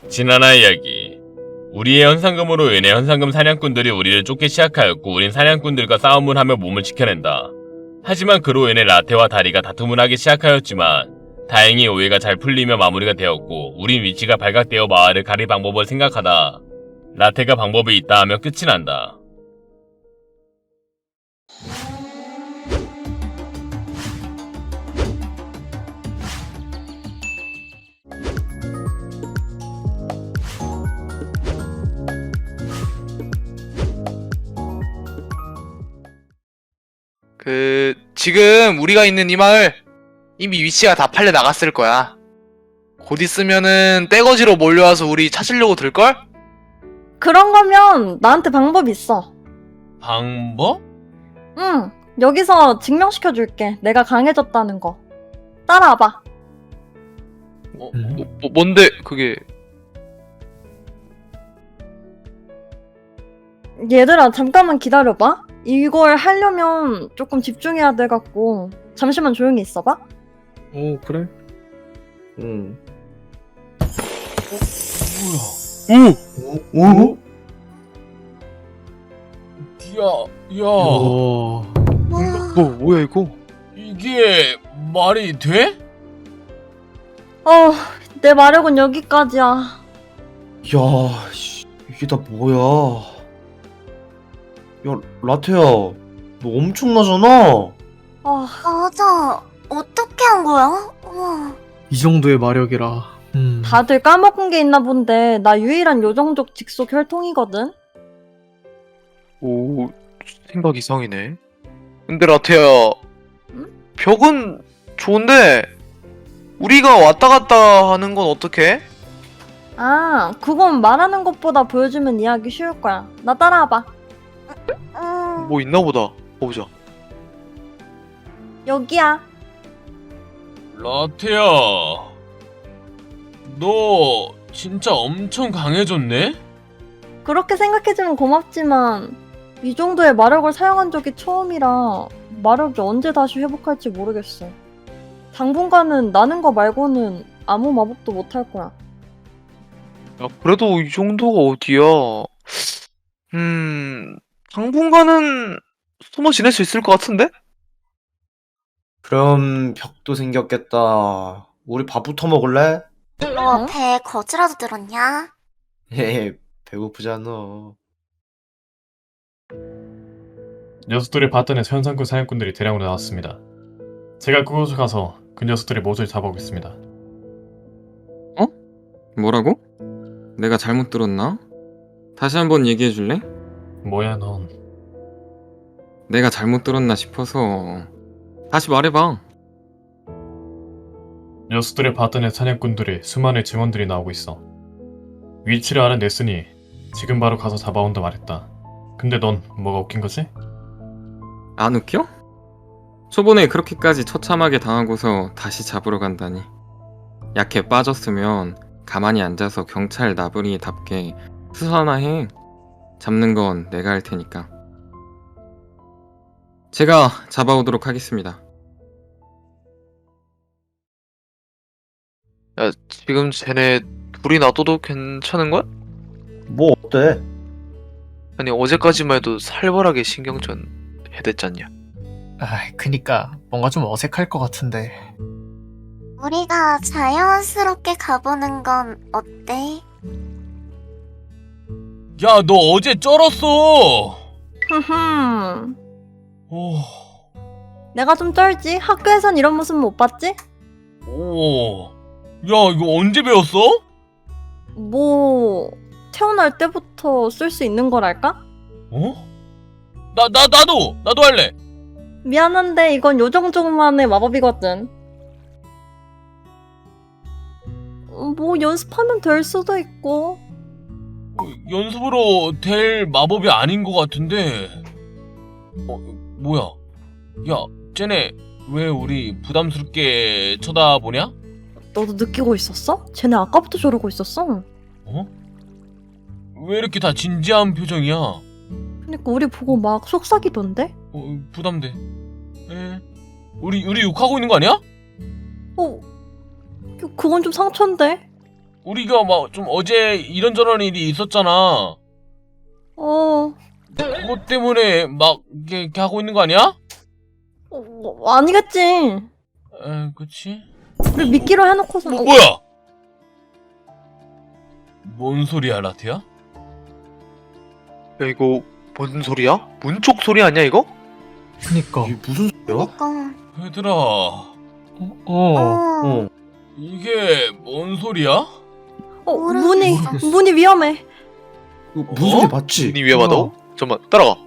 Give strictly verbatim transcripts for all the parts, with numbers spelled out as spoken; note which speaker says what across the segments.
Speaker 1: 지난화 이야기. 우리의 현상금으로 인해 현상금 사냥꾼들이 우리를 쫓기 시작하였고 우린 사냥꾼들과 싸움을 하며 몸을 지켜낸다. 하지만 그로 인해 라테와 다리가 다툼을 하기 시작하였지만 다행히 오해가 잘 풀리며 마무리가 되었고 우린 위치가 발각되어 마을을 가릴 방법을 생각하다 라테가 방법이 있다 하며 끝이 난다.
Speaker 2: 그 지금 우리가 있는 이 마을 이미 위치가 다 팔려 나갔을 거야. 곧 있으면은 떼거지로 몰려와서 우리 찾으려고 들걸?
Speaker 3: 그런 거면 나한테 방법 있어.
Speaker 1: 방법?
Speaker 3: 응, 여기서 증명시켜줄게. 내가 강해졌다는 거. 따라와봐.
Speaker 2: 어, 뭐, 뭐, 뭔데 그게?
Speaker 3: 얘들아, 잠깐만 기다려봐. 이걸 하려면 조금 집중해야 돼갖고 잠시만 조용히 있어봐.
Speaker 4: 오 그래?
Speaker 5: 응.
Speaker 1: 뭐야?
Speaker 5: 오? 오?
Speaker 1: 야, 야,
Speaker 4: 오.
Speaker 2: 뭐 뭐야 이거?
Speaker 1: 이게 말이 돼?
Speaker 3: 어, 내 마력은 여기까지야.
Speaker 5: 야, 씨, 이게 다 뭐야? 야, 라테야, 너 엄청나잖아.
Speaker 3: 아,
Speaker 6: 맞아. 어떻게 한 거야? 우와.
Speaker 4: 이 정도의 마력이라. 음.
Speaker 3: 다들 까먹은 게 있나 본데 나 유일한 요정족 직속 혈통이거든.
Speaker 2: 오 생각 이상이네. 근데 라테야,
Speaker 3: 응?
Speaker 2: 벽은 좋은데 우리가 왔다 갔다 하는 건 어떡해?
Speaker 3: 아, 그건 말하는 것보다 보여주면 이해하기 쉬울 거야. 나 따라와봐.
Speaker 6: 음.
Speaker 2: 뭐 있나 보다. 보자.
Speaker 3: 여기야.
Speaker 1: 라테야, 너 진짜 엄청 강해졌네?
Speaker 3: 그렇게 생각해주면 고맙지만 이 정도의 마력을 사용한 적이 처음이라 마력이 언제 다시 회복할지 모르겠어. 당분간은 나는 거 말고는 아무 마법도 못할 거야.
Speaker 2: 야, 그래도 이 정도가 어디야? 음, 당분간은 숨어 지낼 수 있을 것 같은데?
Speaker 5: 그럼 벽도 생겼겠다. 우리 밥부터 먹을래?
Speaker 6: 너 배에 거지라도 들었냐?
Speaker 5: 헤헤, 배고프잖아.
Speaker 7: 녀석들이 봤던에서 현상금 사냥꾼들이 대량으로 나왔습니다. 제가 그곳을 가서 그 녀석들의 모조리 잡아오겠습니다.
Speaker 8: 뭐라고? 내가 잘못 들었나? 다시 한번 얘기해 줄래?
Speaker 7: 뭐야 넌.
Speaker 8: 내가 잘못 들었나 싶어서 다시 말해봐.
Speaker 7: 녀석들의 봤던의 사냥꾼들이 수많은 증언들이 나오고 있어. 위치를 알아냈으니 지금 바로 가서 잡아온다 말했다. 근데 넌 뭐가 웃긴 거지?
Speaker 8: 안 웃겨? 초반에 그렇게까지 처참하게 당하고서 다시 잡으러 간다니. 약해 빠졌으면 가만히 앉아서 경찰 나부리답게 수사나 해. 잡는 건 내가 할 테니까. 제가 잡아오도록 하겠습니다.
Speaker 2: 야, 지금 쟤네 둘이 놔둬도 괜찮은 거야?
Speaker 5: 뭐 어때?
Speaker 2: 아니, 어제까지만 해도 살벌하게 신경전 해댔잖냐.
Speaker 4: 아, 그니까 뭔가 좀 어색할 것 같은데.
Speaker 6: 우리가 자연스럽게 가보는 건 어때?
Speaker 1: 야, 너 어제 쩔었어.
Speaker 3: 흠흠.
Speaker 1: 오,
Speaker 3: 내가 좀 쩔지? 학교에선 이런 모습 못 봤지?
Speaker 1: 오, 야, 이거 언제 배웠어?
Speaker 3: 뭐 태어날 때부터 쓸 수 있는 거랄까?
Speaker 1: 어? 나, 나, 나도, 나도 할래.
Speaker 3: 미안한데 이건 요정족만의 마법이거든. 어, 뭐 연습하면 될 수도 있고.
Speaker 1: 어, 연습으로 될 마법이 아닌 것 같은데. 어, 뭐야? 야, 쟤네 왜 우리 부담스럽게 쳐다보냐?
Speaker 3: 너도 느끼고 있었어? 쟤네 아까부터 저러고 있었어.
Speaker 1: 어? 왜 이렇게 다 진지한 표정이야? 어,
Speaker 3: 그러니까 우리 보고 막 속삭이던데?
Speaker 1: 부담돼. 에? 우리 우리 욕하고 있는 거 아니야?
Speaker 3: 어, 그- 그건 좀 상처인데?
Speaker 1: 우리가 막 좀 어제 이런저런 일이 있었잖아.
Speaker 3: 어,
Speaker 1: 그것 때문에 막 이렇게, 이렇게 하고 있는 거 아니야?
Speaker 3: 어, 뭐, 아니겠지.
Speaker 1: 에, 그치?
Speaker 3: 우리 미끼로 해놓고서.
Speaker 1: 뭐,
Speaker 3: 어,
Speaker 1: 뭐야? 뭔 소리야, 라테야?
Speaker 2: 야, 이거 뭔 소리야? 문쪽 소리 아니야, 이거?
Speaker 4: 그니까.
Speaker 5: 이게 무슨 소리야?
Speaker 6: 그니까.
Speaker 1: 얘들아,
Speaker 4: 어.
Speaker 6: 어.
Speaker 5: 어.
Speaker 1: 이게 뭔 소리야?
Speaker 3: 어,
Speaker 6: 모르겠어.
Speaker 3: 문이,
Speaker 4: 모르겠어.
Speaker 3: 문이 위험해.
Speaker 5: 이거 무슨
Speaker 1: 어?
Speaker 5: 소리 맞지?
Speaker 2: 니 위험하다고? 잠깐만, 따라가.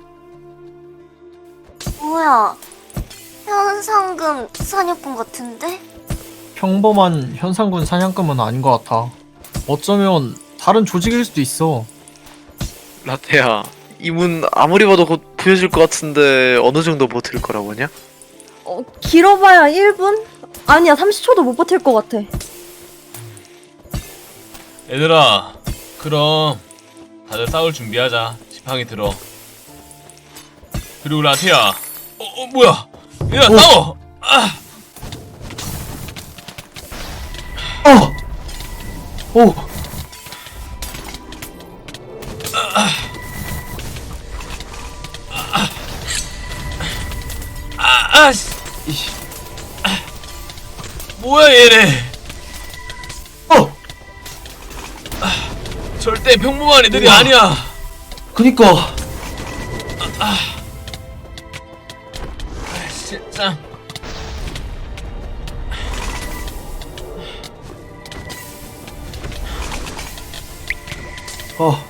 Speaker 6: 뭐야? 현상금 사냥꾼 같은데?
Speaker 4: 평범한 현상군 사냥감은 아닌 것 같아. 어쩌면 다른 조직일 수도 있어.
Speaker 2: 라테야, 이 문 아무리 봐도 곧 부여질 것 같은데 어느 정도 버틸 거라고 하냐?
Speaker 3: 어, 길어봐야 일 분? 아니야, 삼십 초도 못 버틸 것 같아.
Speaker 1: 얘들아, 그럼 다들 싸울 준비하자. 지팡이 들어. 그리고 라테야, 어, 어 뭐야? 얘들아, 싸워! 아!
Speaker 5: 어! 오!
Speaker 1: 아, 아씨! 아, 뭐야 얘네?
Speaker 5: 어!
Speaker 1: 절대 평범한 애들이
Speaker 5: 우와.
Speaker 1: 아니야.
Speaker 5: 그니까
Speaker 1: 아, 진짜.
Speaker 5: 어.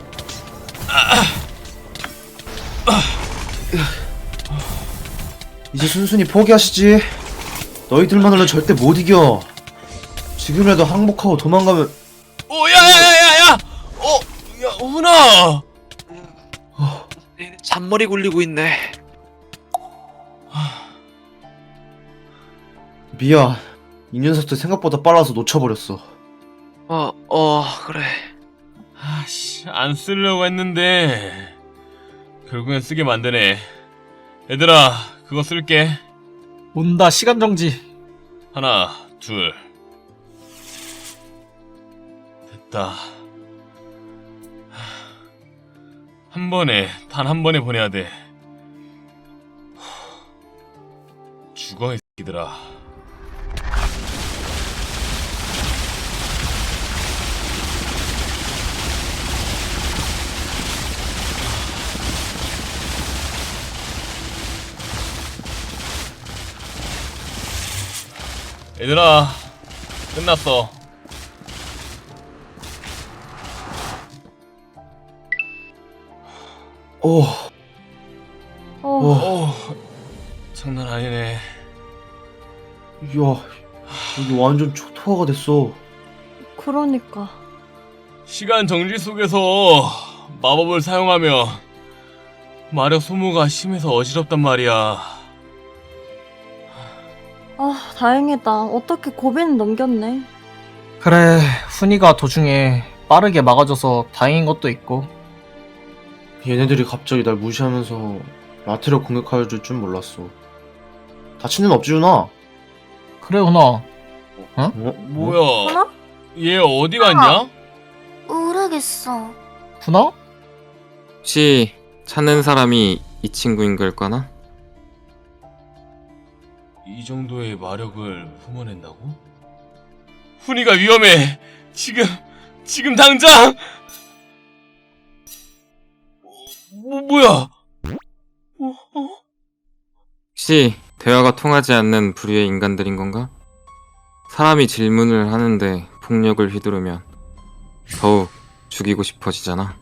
Speaker 5: 이제 순순히 포기하시지. 너희들만으로는 절대 못 이겨. 지금이라도 항복하고 도망가면
Speaker 1: 오, 야야야야야! 어, 야, 훈아.
Speaker 2: 잔머리 굴리고 있네.
Speaker 5: 미안. 이 녀석들 생각보다 빨라서 놓쳐버렸어.
Speaker 2: 어, 어, 그래.
Speaker 1: 아씨, 안 쓰려고 했는데 결국엔 쓰게 만드네. 얘들아, 그거 쓸게.
Speaker 4: 온다, 시간 정지.
Speaker 1: 하나, 둘. 됐다. 한 번에, 단 한 번에 보내야 돼. 죽어, 이 새끼들아. 얘들아, 끝났어.
Speaker 5: 오,
Speaker 3: 어,
Speaker 5: 어,
Speaker 1: 오, 장난 아니네.
Speaker 5: 이야, 여기 완전 초토화가 됐어.
Speaker 3: 그러니까.
Speaker 1: 시간 정지 속에서 마법을 사용하면 마력 소모가 심해서 어지럽단 말이야.
Speaker 3: 아, 다행이다. 어떻게 고비는 넘겼네.
Speaker 4: 그래, 훈이가 도중에 빠르게 막아줘서 다행인 것도 있고.
Speaker 5: 얘네들이 갑자기 날 무시하면서 라테를 공격할 줄 몰랐어. 다친 데는 없지, 준아?
Speaker 4: 그래, 훈아.
Speaker 5: 어?
Speaker 1: 뭐야?
Speaker 3: 하나?
Speaker 1: 얘 어디 갔냐?
Speaker 6: 모르겠어.
Speaker 4: 훈아?
Speaker 8: 혹시 찾는 사람이 이 친구인 걸까나?
Speaker 1: 이 정도의 마력을 뿜어낸다고? 훈이가 위험해. 지금, 지금 당장. 뭐, 뭐야? 어, 어?
Speaker 8: 혹시 대화가 통하지 않는 부류의 인간들인 건가? 사람이 질문을 하는데 폭력을 휘두르면 더욱 죽이고 싶어지잖아.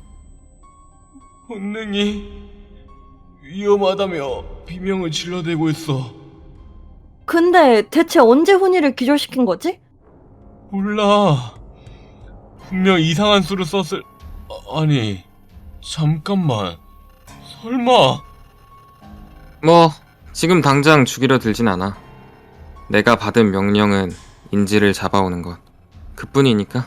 Speaker 1: 본능이 위험하다며 비명을 질러대고 있어.
Speaker 3: 근데 대체 언제 훈이를 기절시킨 거지?
Speaker 1: 몰라. 분명 이상한 수를 썼을... 아, 아니... 잠깐만... 설마...
Speaker 8: 뭐 지금 당장 죽이려 들진 않아. 내가 받은 명령은 인지를 잡아오는 것 그뿐이니까.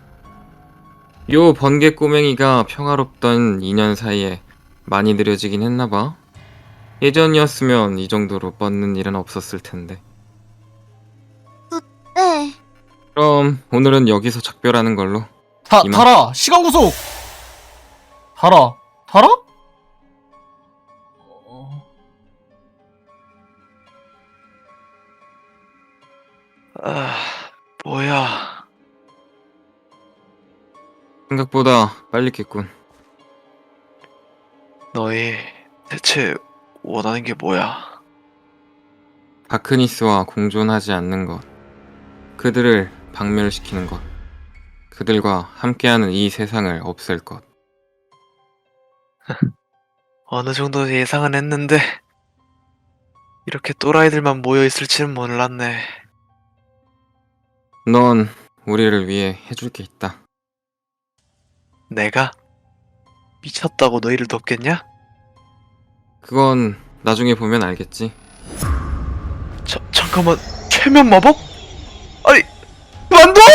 Speaker 8: 요 번개 꼬맹이가 평화롭던 이 년 사이에 많이 느려지긴 했나봐. 예전이었으면 이 정도로 뻗는 일은 없었을 텐데.
Speaker 6: 네.
Speaker 8: 그럼 오늘은 여기서 작별하는 걸로.
Speaker 4: 다,
Speaker 8: 이만.
Speaker 4: 달아! 시간 구속! 달아. 달아?
Speaker 2: 아, 뭐야.
Speaker 8: 생각보다 빨리 깼군.
Speaker 2: 너희 대체 원하는 게 뭐야?
Speaker 8: 바크니스와 공존하지 않는 것. 그들을 박멸시키는 것. 그들과 함께하는 이 세상을 없앨 것.
Speaker 2: 어느 정도 예상은 했는데 이렇게 또라이들만 모여 있을지는 몰랐네.
Speaker 8: 넌 우리를 위해 해줄 게 있다.
Speaker 2: 내가? 미쳤다고 너희를 돕겠냐?
Speaker 8: 그건 나중에 보면 알겠지.
Speaker 2: 자, 잠깐만, 최면 마법? 아니, 만둬!